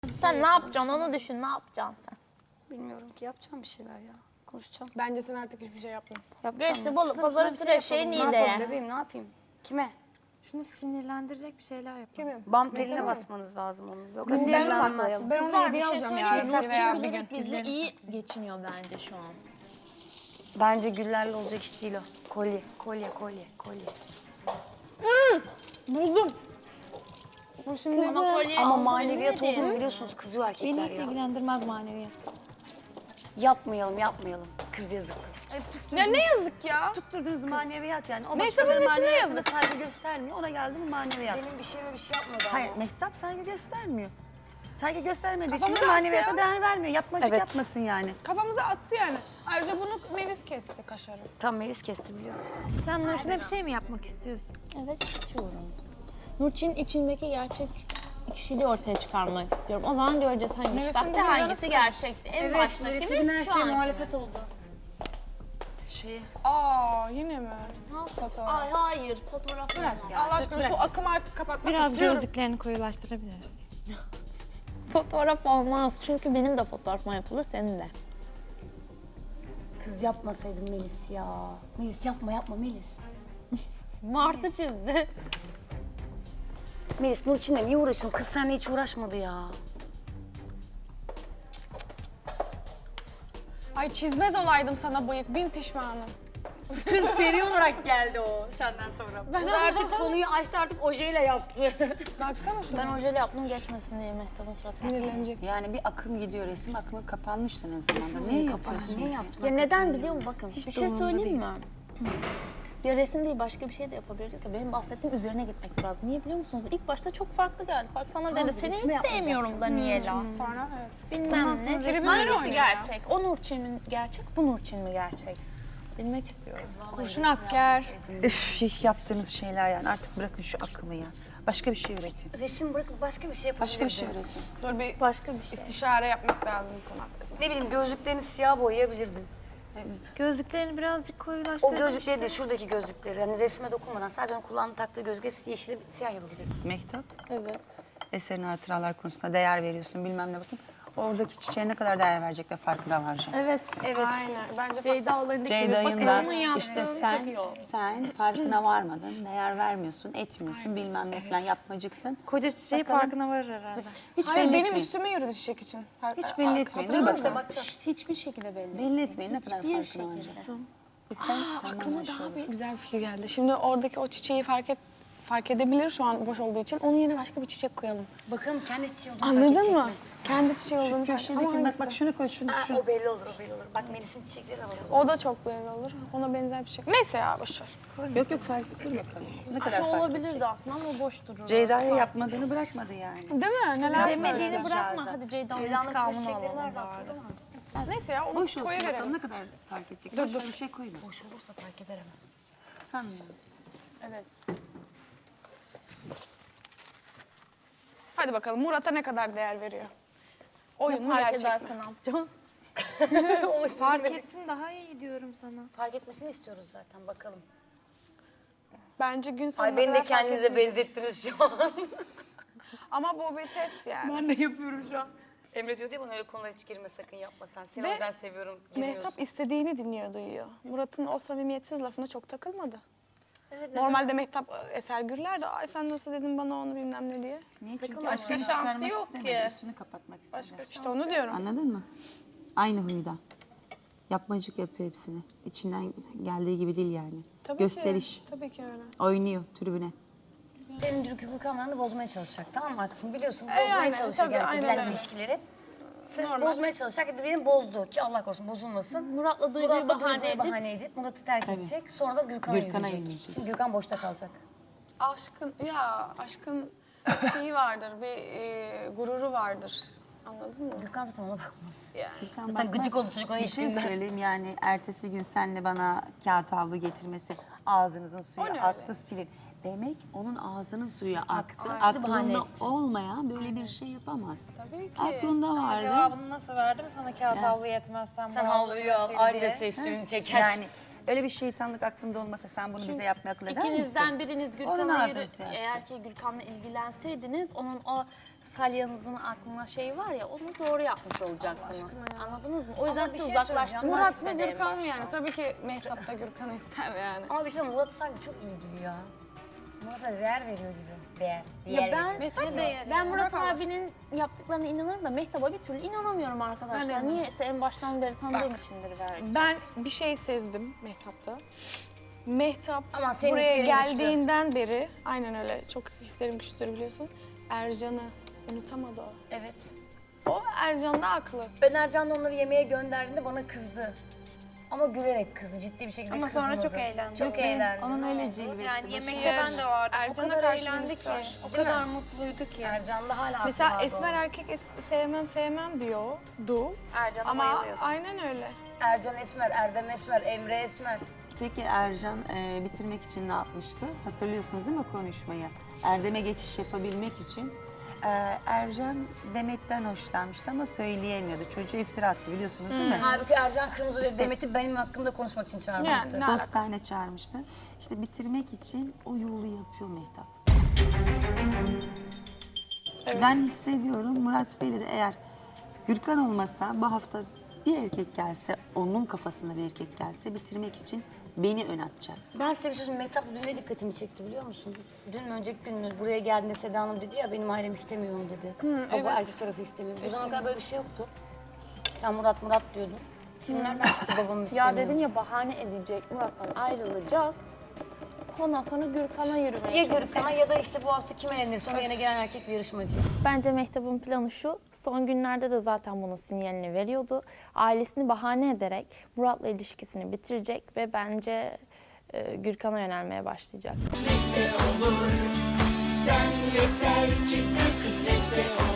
Sen ne yapacaksın onu düşün, ne yapacaksın sen? Bilmiyorum ki, yapacağım bir şeyler ya. Konuşacağım. Bence sen artık hiçbir şey yapma. Yapacağım. Geçti bolu, pazar üstü eşeğin iyi Ne de yapayım ye. bebeğim, ne yapayım? Kime? Şunu sinirlendirecek bir şeyler yap. Kimin? Bam teline basmanız lazım onu. Yok, Biz sinirlenmez. Ben ona hediye alacağım yarın veya bir gün. Bilerek bizle iyi geçiniyor bence şu an. Bence güllerle olacak iş değil o. Kolye. Buldum. Bu şimdi Ama kolye Ama aldın, maneviyat bilmedin. olduğunu biliyorsunuz, kızıyor Beni erkekler hiç ya. ilgilendirmez maneviyat. Yapmayalım. Kız yazık kız. ya ne yazık ya. Tutturdunuz maneviyat yani. O Mehtap'ın başkaları nesine maneviyatına yazık? saygı göstermiyor. Ona geldi mi maneviyat. Benim bir şeyime bir şey yapmadı ama. Hayır, Mehtap saygı göstermiyor. Saygı göstermediği için Kafamıza de attı maneviyata ya. değer vermiyor. Yapmacık Evet. yapmasın yani. Kafamıza attı yani. Ayrıca bunu Melis kesti kaşarı. Tam Melis kesti biliyorum. Sen Nurşin'e bir şey mi yapmak istiyorsun? Evet, istiyorum. Nurçin'in içindeki gerçek kişiliği ortaya çıkarmak istiyorum. O zaman göreceğiz hangisi Melis'in sahte, de canı hangisi sıkıldı. gerçekti. En baştaki mi? Şu an. muhalefet oldu. Aa yine mi? Fotoğraf. Ay hayır, fotoğraf bırak ya. Allah aşkına şu akımı artık kapatmak Biraz istiyorum. gözlüklerini koyulaştırabiliriz. Fotoğraf olmaz çünkü benim de fotoğrafıma yapılır, senin de. Kız yapmasaydın Melis ya. Melis yapma Melis. Martı çizdi. Melis Nurçin'le niye uğraşıyorsun? Kız seninle hiç uğraşmadı ya. Ay çizmez olaydım sana bıyık. Bin pişmanım. Kız seri olarak geldi o senden sonra. Kız artık konuyu açtı, artık ojeyle yaptı. Baksana şuna. Ben ojeli yaptım geçmesin diye Mehtap'ın suratına. Sinirlenecek. Yani bir akım gidiyor. Resim akımı kapanmıştı ne zamandır. Ne yapıyorsun? Ne yaptın? Ya neden biliyor musun? Bakın bir şey söyleyeyim mi? Ya resim değil başka bir şey de yapabilirdik ya. Benim bahsettiğim üzerine gitmek biraz. Niye biliyor musunuz? İlk başta çok farklı geldi. Bak sana dedi seni hiç sevmiyorum Daniela. Sonra evet. Bilmem ne. tribünleri Hangisi oynuyor. gerçek? O Nurçin mi gerçek, bu Nurçin mi gerçek? Bilmek istiyorum. Kurşun asker. Üf, yaptığınız şeyler yani. Artık bırakın şu akımı ya. Başka bir şey üretin. Resim bırakıp başka bir şey yapabilirdin. Başka bir şey üretin. Dur bir Başka bir şey. istişare yapmak lazım bu konu hakkında. Ne bileyim, gözlüklerini siyah boyayabilirdin. Gözlüklerini birazcık O koyulaştırabiliriz. gözlükleri de şuradaki gözlükleri. Hani resme dokunmadan sadece onun kulağını taktığı gözlükleri yeşil siyah yapabilirdin. Mehtap, Evet. eserin hatıralar konusunda değer veriyorsun bilmem ne bakın. Oradaki çiçeğe ne kadar değer verecek de farkına varacağım. Evet. Aynen. Bence Ceyda olayındaki Ceyda'nın da onu yaptığın işte çok iyi oldu. sen farkına varmadın, değer vermiyorsun, etmiyorsun bilmem ne falan yapmacıksın. Koca çiçeği Bakalım. farkına varır herhalde. Hiç Hayır belli benim etmeyin. üstüme yürüdü çiçek için. Hiç belli etmeyin. Dur Hatırladın bakalım. mı? Hiçbir şekilde belli. Belli etmeyin ne kadar Hiçbir farkına şekilde. varacak. Peki sen Aklıma daha bir güzel bir fikir geldi. Şimdi oradaki o çiçeği fark edebilir şu an boş olduğu için. Onun yerine başka bir çiçek koyalım. Bakalım kendi çiçeği olduğunu fark Anladın edecek mı? mi? Kendi çiçeği olduğunu fark köşedeki Ama bak hangisi? bak şunu koy şunu Ha, şunu. o belli olur. Bak Melis'in çiçekleri de var. O da çok belli olur. Ona benzer bir şey. Neyse ya boş ver. Yok fark et dur bakalım. Ne kadar Şu fark olabilirdi edecek. aslında ama boş durur. Ceyda'ya yapmadığını bırakmadı yani. Değil mi? Neler Demediğini söylüyorsun? bırakma. Hadi Ceyda'nın Ceyda'nın intikamını çiçekleri alalım nerede bari. atıldı mı? Neyse ya onu Boş olsun koyuverelim. bakalım ne kadar fark edecek. Dur, Boş dur. ver, bir şey koyma. Boş olursa fark eder ama. Sanmıyorum. Evet. Hadi bakalım Murat'a ne kadar değer veriyor? Oyun mu Fark gerçek mi? ederse ne yapacağız? Onu Fark fark, etsin daha iyi diyorum sana. fark etmesini istiyoruz zaten, bakalım. Bence gün sonuna Ay beni de kadar fark kendinize etmeyecek. benzettiniz şu an. Ama bu bir test yani. Ben de yapıyorum şu an. Emre diyor diye bana öyle konulara hiç girme, sakın yapma sen. Seni Ve ben seviyorum, girmiyorsun. Mehtap istediğini dinliyor, duyuyor. Murat'ın o samimiyetsiz lafına çok takılmadı. Evet, Normalde Mehtap Eser Gürler de ay sen nasıl dedin bana onu bilmem ne diye. Niye? Çünkü Başka aşkını şansı çıkarmak yok istemedi. ki. Üstünü kapatmak istedi. İşte onu diyorum. Anladın mı? Aynı huyda. Yapmacık yapıyor hepsini. İçinden geldiği gibi değil yani. Tabii Gösteriş. Ki, tabii ki öyle. Oynuyor tribüne. Senin Gürkan'larını bozmaya çalışacak, tamam mı arkadaşım? Biliyorsun yani, bozmaya çalışıyor tabii, genellikle aynen bilen öyle. ilişkileri. Sen Normal. bozmaya çalışacak, beni bozdu ki Allah korusun bozulmasın. Murat'la Duygu'yu bahane edip bahane edip Murat'ı terk edecek. Sonra da Gürkan'a Gürkan'a yürüyecek. yürüyecek. Çünkü Gürkan boşta kalacak. Aşkın şeyi vardır, bir gururu vardır. Anladın mı? Gürkan zaten ona bakmaz. Yani. Zaten Zaten gıcık oldu çocuk ona Bir şey ilişkinden. söyleyeyim yani ertesi gün senle bana kağıt havlu getirmesi ağzınızın suyu O ne aktı öyle? silin. Demek onun ağzının suyu aktı. Sizi bahane Aklında etti. olmayan böyle bir şey yapamaz. Tabii ki. Aklında vardı. Cevabını nasıl verdim sana kağıt havlu yetmez sen Sen bu havluyu al, sil ayrıca diye. şey suyunu çeker. Yani Öyle bir şeytanlık aklında olmasa sen bunu bize yapmaya akıl eder misin? İkinizden biriniz Onun Gürkan'a ağzını yürü, şey yaptı. eğer ki Gürkan'la ilgilenseydiniz onun o salyanızın aklına şey var ya onu doğru yapmış olacaktınız. Anladınız mı? O yüzden Ama bir sizi şey söyleyeceğim. uzaklaştırmak Murat mı istedi en Gürkan mı başta. yani? Tabii ki Mehtap da Gürkan'ı ister yani. Ama bir şey söyleyeyim, Murat'ı sanki çok ilgili ya. Murat'a değer veriyor gibi. Değer. Ya ben, Mehtap mı? ben Murat Bırak Allah abinin yaptıklarına inanırım da Mehtap'a bir türlü inanamıyorum arkadaşlar. Ben de Niyeyse en baştan beri tanıdığım içindir belki. Ben bir şey sezdim Mehtap'ta. Mehtap Ama senin buraya hislerin geldiğinden beri, aynen öyle çok hislerim güçlüdür biliyorsun. Ercan'ı unutamadı o. Evet. O Ercan da haklı. Ben Ercan'la onları yemeğe gönderdiğinde bana kızdı. Ama gülerek kızdı, ciddi bir şekilde Ama kızmadı. sonra çok eğlendi. Çok eğlendi. Onun öyle cilvesi. Yani yemekte Yes. ben de vardım. Ercan'a o kadar karşı eğlendi birisi ki. var. O kadar mutluydu ki. Ercan'da hala aklı Mesela vardı esmer o. erkek sevmem diyordu. Ercan'a Ama bayılıyordu. aynen öyle. Ercan esmer, Erdem esmer, Emre esmer. Peki Ercan bitirmek için ne yapmıştı? Hatırlıyorsunuz değil mi konuşmayı? Erdem'e geçiş yapabilmek için Ercan Demet'ten hoşlanmıştı ama söyleyemiyordu. Çocuğa iftira attı biliyorsunuz değil mi? Halbuki Ercan Kırmızı İşte- Demet'i benim hakkımda konuşmak için çağırmıştı. Yani, ne Dostane çağırmıştı. İşte bitirmek için o yolu yapıyor Mehtap. Evet. Ben hissediyorum Murat Bey'le de eğer Gürkan olmasa bu hafta bir erkek gelse, onun kafasında bir erkek gelse bitirmek için beni ön atacak. Ben size bir şey söyleyeyim. Mehtap dün ne dikkatimi çekti biliyor musun? Dün mü önceki gün mü buraya geldiğinde Seda Hanım dedi ya benim ailem istemiyorum dedi. Baba erkek tarafı istemiyor. Bu zamana kadar böyle bir şey yoktu. Sen Murat diyordun. Şimdi nereden çıktı babamı istemiyor? Ya dedim ya bahane edecek, Murat'tan ayrılacak. Ondan sonra Gürkan'a yürümeye Ya çalışacak. Gürkan'a ya da işte bu hafta kim elenir sonra yine gelen erkek bir yarışmacı. Bence Mehtap'ın planı şu, son günlerde de zaten bunun sinyalini veriyordu. Ailesini bahane ederek Murat'la ilişkisini bitirecek ve bence Gürkan'a yönelmeye başlayacak. Sen yeter ki sen kısmetse olur.